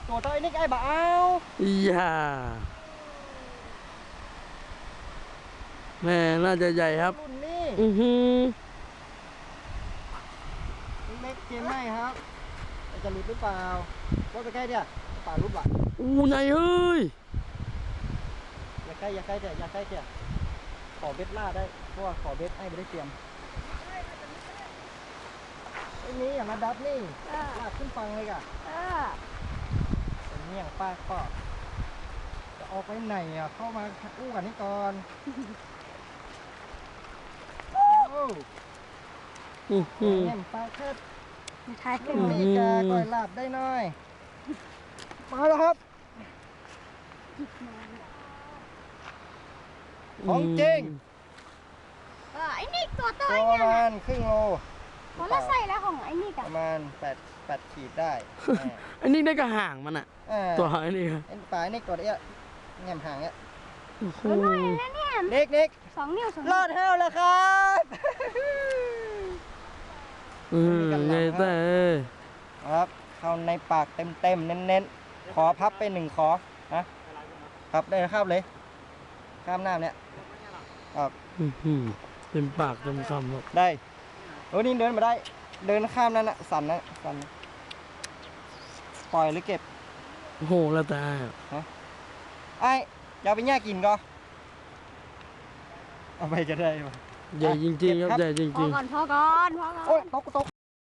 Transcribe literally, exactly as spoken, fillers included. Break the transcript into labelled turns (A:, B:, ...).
A: ตัวเท่าไอ้นี่ไอ้บ่เอา
B: อย่าแม่น่าจะใหญ่ครับ
A: รุ่นนี้
B: อือหือ
A: เล็กเกมไม่ครับจะหลุดหรือเปล่าว่าไปใกล้เดี๋ยวป่ารุดว่ะ
B: อู้ใหญ่เฮ้ย
A: อย่าใกล้อย่าใกล้เดี๋ยวอย่าใกล้เดี๋ยวขอเบ็ดล่าได้เพราะว่าขอเบ็ดให้ไม่ได้เตรียมไอ้นี้อย่ามาดับนี่ลากขึ้นฟังเลยก่ะเป็นเมี่ยงป้าก็จะออกไปไหนอ่ะเข้ามาอู้กันนี่ก่อนโอ้
B: อือหือ
A: เมี่ยงป้าเทิด
C: ใช่ขึ้น
A: นี่แกก่อยลาบได้น้อยมาแล้วครับของจริง
C: เออไอ้นี่ตัวโต
A: ตัวประมาณครึ่งโล
C: พอเราใส่แล้วของไอ้นี่
A: ป
C: กัน
A: ระมาณแปดแปดขีดได้
B: อันนี้ได้กระห่างมันอะ
A: เออ
B: ตัวอันนี้ครับ
A: ไอ้ปลายนี่กดเอี้ยแง่มห่างเอี้ย
B: โอ้โห
C: ตัวน้อยนะเนี่ย
A: เด็กเด็ก
C: สองนิ้วสอง
A: รอดเท้าแล้วครับ
B: อืมไงแต่
A: ครับเข้าในปากเต็มเต็มๆเน้นเน้นๆขอพับไปหนึ่งขอนะครับได้ข้ามเลยข้ามหน้าเนี่ยครับ
B: อื้อหือเต็มปากเต็มคำครับ
A: ได้โอ้นี่เดินมาได้ เดินข้ามนั่นนะสั่นนะสั่นปล่อยหรือเก็บ
B: โอ้โหแล้วแต่
A: ไอ้อย่าไปแย่กินก็เอาไปก็ได้ป่ะ
B: ใหญ่จริงๆครับใหญ่จ
C: พอ
B: ริง
C: ก่อนพอก่อนพอก่อน
A: โอ้ยตกตก